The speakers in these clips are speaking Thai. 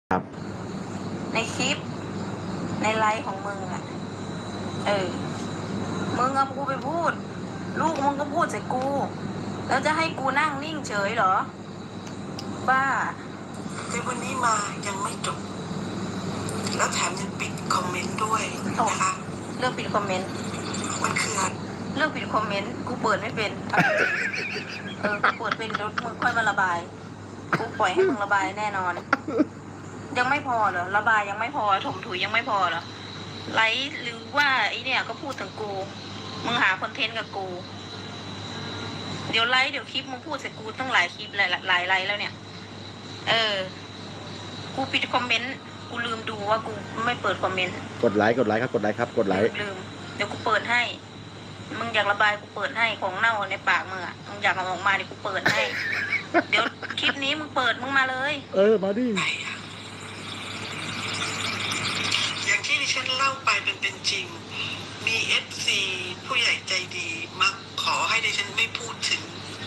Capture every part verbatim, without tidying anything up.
ครับในคลิปในไลฟ์ของมึงอ่ะเออมึงเอากูไปพูดลูกมึงก็พูดใส่กูแล้วจะให้กูนั่งนิ่งเฉยเหรอบ้าในวันนี้มายังไม่จบแล้วแถมยังปิดคอมเมนต์ด้วยนะคะเรื่องปิดคอมเมนต์มันคืออะไรเรื่องปิดคอมเมนต์กูเปิดไม่เป็นเออกูเปิดเป็นรถมึงค่อยมาระบายกูปล่อยให้มึงระบายแน่นอนยังไม่พอเหรอระบายยังไม่พอถมถุยยังไม่พอเหรอไลฟ์หรือว่าไอเนี่ยก็พูดถึงกูมึงหาคอนเทนต์กับกูเดี๋ยวไลฟ์เดี๋ยวคลิปมึงพูดใส่กูตั้งหลายคลิปหลายหลายไลฟ์แล้วเนี่ยเออกูปิดคอมเมนต์กูลืมดูว่ากูไม่เปิดคอมเมนต์กดไลค์กดไลค์ครับกดไลค์ครับกดไลค์ลืมเดี๋ยวกูเปิดให้มึงอยากระบายกูเปิดให้ของเน่าในปากมึงอ่ะมึงอยากเอาออกมาเดี๋ยวกูเปิดให้เดี๋ยวคลิปนี้มึงเปิดมึงมาเลยเออมาดิอย่างที่ดิฉันเล่าไปเป็นเป็นจริงมีเอฟซีผู้ใหญ่ใจดีมาขอให้ดิฉันไม่พูดถึง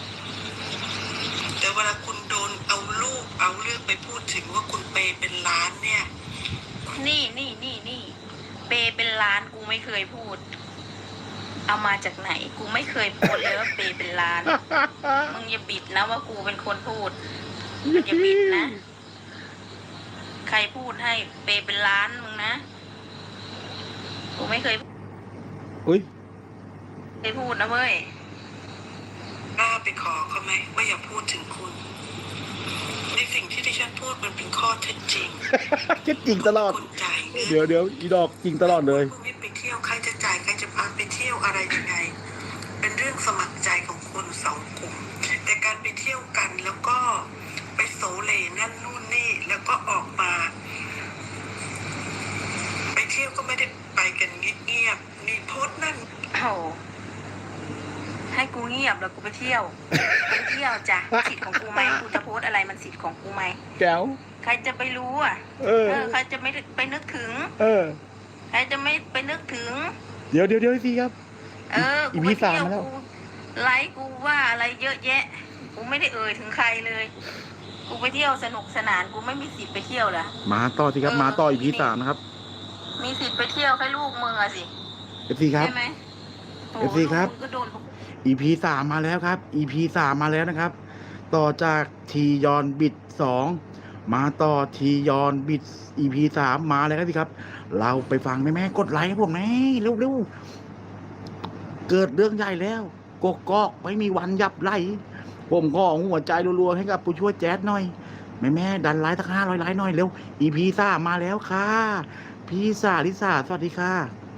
แต่เวลาคุณโดนเอารูปเอาเรื่องไปพูดถึงว่าคุณเปเป็นล้านเนี่ยนี่นี่นี่นี่เปเป็นล้านกูไม่เคยพูดเอามาจากไหนกูไม่เคยพูดเลยว่าเปเป็นล้านมึงอย่าบิดนะว่ากูเป็นคนพูดอย่าบิดนะใครพูดให้เปเป็นล้านมึงนะกูไม่เคยอุ้ยเคยพูดนะเว้ยกล้าไปขอเขาไหมว่าอย่าพูดถึงคุณในสิ่งที่ดิฉันพูดมันเป็นข้อเท็จจริงเท็จจริงตลอดเดี๋ยวเดี๋ยวอีดอกจริงตลอดเลยพวกนี้ไปเที่ยวใครจะจ่ายใครจะพาไปเที่ยวอะไรยังไงเป็นเรื่องสมัครใจของคนสองกลุ่มแต่การไปเที่ยวกันแล้วก็ไปโสเลนั่นนู่นนี่แล้วก็ออกมาไปเที่ยวก็ไม่ได้ไปกันเงียบๆนี่โพสต์นั่นโอ้ให้กูเงียบแล้วกูไปเที่ยวไปเที่ยวจ้ะสิทธิ์ของกูไหมกูจะโพสอะไรมันสิทธิ์ของกูไหมแก้วใครจะไปรู้อ่ะเออใครจะไม่ไปนึกถึงเออใครจะไม่ไปนึกถึงเดี๋ยวเดี๋ยวเดี๋ยวสิครับเออกูไปเที่ยวกูไลฟ์กูว่าอะไรเยอะแยะกูไม่ได้เอ่ยถึงใครเลยกูไปเที่ยวสนุกสนานกูไม่มีสิทธิ์ไปเที่ยวเหรอมาต่อสิครับมาต่ออีพีสามนะครับมีสิทธิ์ไปเที่ยวแค่ลูกมึงอะสิเอฟซีครับใช่ไหมเอฟซีครับอีพีสามมาแล้วครับอีพีสามมาแล้วนะครับต่อจากทียอนบิดสองมาต่อทียอนบิดอีพีสามมาแล้วครับพี่ครับเราไปฟังแม่แม่กดไลค์ให้ผมแม่เร็วเร็วเกิดเรื่องใหญ่แล้วกกอกไม่มีวันยับไล่ผมก็หัวใจรัวๆให้กับผู้ช่วยแจ๊ดหน่อยแม่แม่ดันไลค์สักห้าร้อยไลค์หน่อยเร็วอีพีสามมาแล้วค่ะพี่สาลิสาสวัสดีค่ะ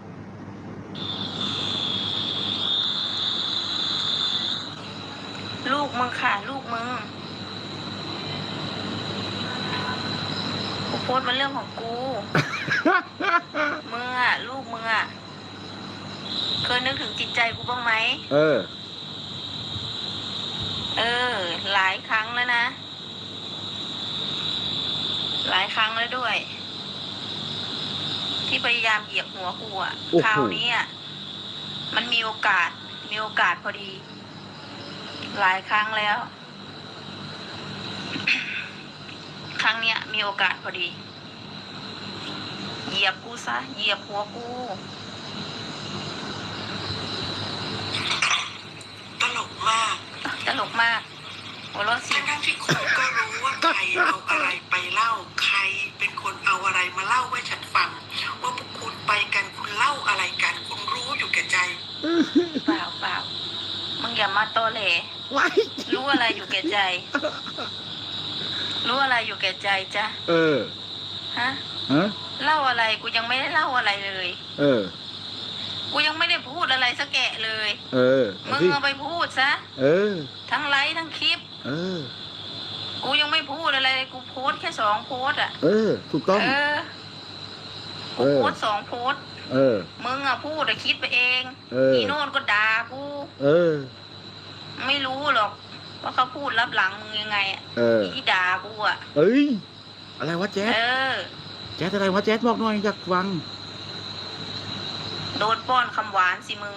ลูกมึงค่ะลูกมึงกูโพสต์มันเรื่องของกูมึงอ่ะลูกมึงอ่ะเคยนึกถึงจิตใจกูบ้างไหมเออเออหลายครั้งแล้วนะหลายครั้งแล้วด้วยที่พยายามเหยียบหัวกูอ่ะคราวนี้อ่ะมันมีโอกาสมีโอกาสพอดีหลายครั้งแล้ว ครั้งเนี้ยมีโอกาสพอดีเหยียบกูซะเหยียบหัวกูตลกมากตลกมากหัวเราะสิทั้งที่คุณก็รู้ว่าใครเอาอะไรไปเล่าใครเป็นคนเอาอะไรมาเล่าให้ฉันฟังว่าพวกคุณไปกันคุณเล่าอะไรกันคุณรู้อยู่แก่ใจเปล่าเปล่ามึงอย่ามาโตเหล่รู้อะไรอยู่แก่ใจรู้อะไรอยู่แก่ใจจ้ะเออฮะฮะเล่าอะไรกูยังไม่ได้เล่าอะไรเลยเออกูยังไม่ได้พูดอะไรสักแกะเลยเออมึงเอาไปพูดซะเออทั้งไลฟ์ทั้งคลิปเออกูยังไม่พูดอะไรกูโพสแค่สองโพสอ่ะเออถูกต้องเออกูโพสสองโพสเออมึงอ่ะพูดแต่คิดไปเองอีโน่นก็ด่ากูเออไม่รู้หรอกว่าเขาพูดรับหลังมึงยังไงอ่ะที่ด่ากูอ่ะเอ้ยอะไรวะแจ๊ดเออแจ๊ดอะไรวะแจ๊ดบอกหน่อยอยากฟังโดนป้อนคำหวานสิมึง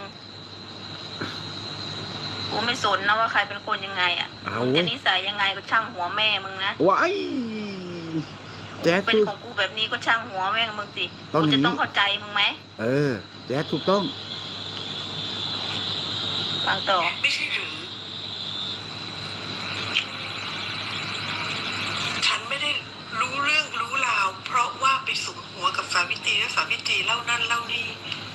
กูไม่สนนะว่าใครเป็นคนยังไงอ่ะมึงจะนิสัยยังไงก็ช่างหัวแม่มึงนะว้ายแจ๊สเป็นสู้ของกูแบบนี้ก็ช่างหัวแม่งมึงสิต้องกูอย่าจะงนี้ต้องเข้าใจมึงไหมเออ แจ๊สถูกต้องฟังต่อไม่ใช่หรือ ฉันไม่ได้รู้เรื่องรู้ราว เพราะว่าไปสุมหัวกับสาวิตรีและสาวิตรีเล่านั่นเล่านี่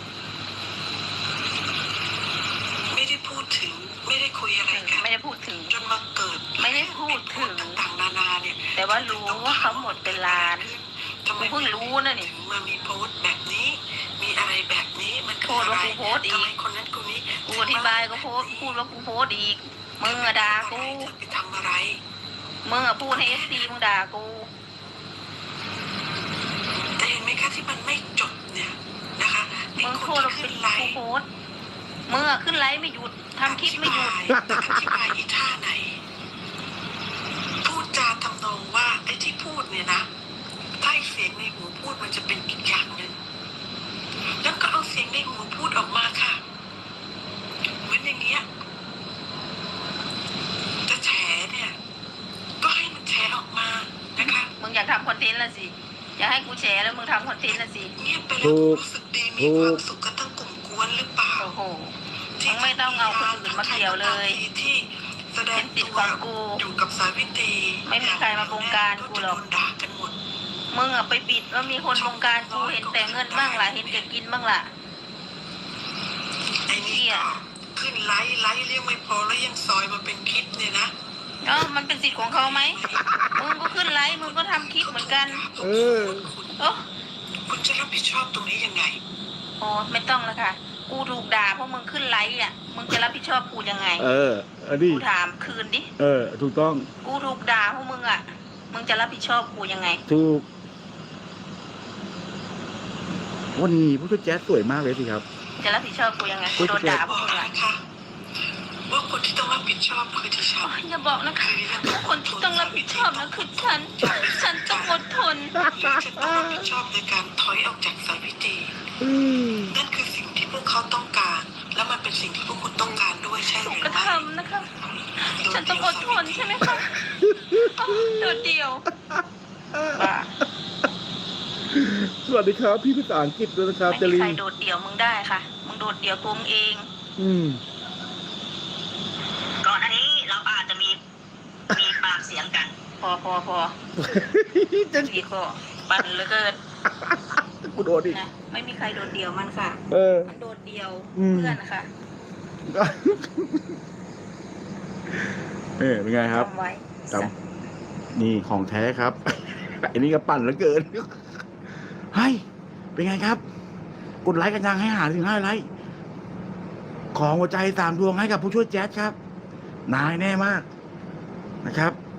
ไม่ได้พูดถึง ไม่ได้คุยอะไรกันไม่ได้พูดถึงจนมาเกิดไม่ได้พูดถึงต่างๆนานาเนี่ยแต่ว่ารู้ว่าเขาหมดเป็นล้านทำไมกูเพิ่งรู้นะนี่ถึงมามีโพสต์แบบนี้ มีอะไรแบบนี้มันคือโพสต์อะไรว่ากูโพสต์อีกทำไมคนนั้นคนนี้กูอธิบายก็โพสต์พูดว่ากูโพสต์อีก มึงอะด่ากูเธอไปทำอะไรมึงอะพูดให้เอฟซีมึงด่ากูแต่เห็นไหมคะที่มันไม่จบเนี่ยนะคะไอ้มึงคโทนษที่ว่าขึ้เป็นนไลกูฟ์โพสต์มึงอะขึ้นไลฟ์ไม่หยุดทำคลิปไม่หยุดอธิบายแต่อธิบายอีท่าไหน พูดจาทำนองว่าไอ้ที่พูดเนี่ยนะถ้าไอ้เสียงในหูพูดมันจะเป็นอีกอย่างหนึ่งแล้วก็เอาเสียงในหูพูดออกมาค่ะเหมือนอย่างเงี้ยจะแฉเนี่ย ก็ให้มันแฉออกมานะคะมึงอยากทำคอนเทนต์ละสิอยากให้กูแชร์แล้วมึงทำคอนเทนต์ละสิเงียบไปแล้วรู้สึกดีมีความสุขกันทั้งกลุ่มกวนหรือเปล่าโอ้โห มึงไม่ต้องเอาคนอื่นมาเกี่ยวเลยที่แสดเป็งนสิทตัธิ์วของกูอยู่กับสาวิตรีไม่มีใครมาบงการกูหรอกโดนด่ากันหมดมึงอะไปปิดว่ามีคนบงการกูเห็นแต่เงินบ้างล่ะเห็นแต่กินบ้างล่ะไอ้นี่ก็ขึ้นไลฟ์ไลฟ์เรียกไม่พอแล้วยังซอยมาเป็นคลิปเนี่ยนะเอ้ามันเป็นสิทธิ์ของเขาไหม มึงก็ขึ้นไลฟ์มึงก็ทำคลิปเหมือนกันเออโอ้คุณจะรับผิดชอบตรงนี้ยังไงโหไม่ต้องแล้วค่ะ กูถูกด่าเพราะมึงขึ้นไลฟ์อ่ะ มึงจะรับผิดชอบกูยังไงเออ อันนี้กูถามคืนดิเออ ถูกต้องกูถูกด่าเพราะมึงอ่ะ มึงจะรับผิดชอบกูยังไงถูก วันนี้ผู้ช่วยแจ๊สสวยมากเลยสิครับจะรับผิดชอบกูยังไงกูโดนด่าเพบราะอกมึงอ่ะนะคะว่าคนที่ต้องรับผิดชอบคือดิฉัอ๋อน อย่าบอกนะคะว่าคนที่ต้องรับผิดชอบนะคือฉัน ฉันต้องอดทนหรือจะต้องรับผิดชอบในการถอยออกจากสาวิตรีอืมนั่นคือสิ่งที่พวกเขาต้องการ และมันเป็นสิ่งที่พวกคุณต้องการด้วยใช่หถูรืกอกระไม่ทำนะคะ ฉันต้องอดทนใช่ไหมคะอ๋อโดดเดี่ยวบ้าสวัสดีครับ พี่ภาษาอังกฤษด้วยนะครับไม่จมีริใครนโดดเดี่ยวมึงได้ค่ะ มึงโดดเดี่ยวตัวมึงเองอืมก่อนอันนี้เราอาจจะมีมีปากเสียงกันพอพอพอจะสีก็ปั่นเหลือเกินกูโดนอีกนะไม่มีใครโดดเดี่ยวมันค่ะเออมันโดดเดี่ยวอืมเพื่อนนะคะเออเป็นไงครับจำไว้จำ นี่ของแท้ครับ อันนี้ก็ปั่นเหลือเกินเฮ้ยเป็นไงครับ กดไลค์กันยังให้หาถึงห้าไลค์ ของหัวใจสามดวงให้กับผู้ช่วยแจ๊สครับ นายแน่มากนะครับ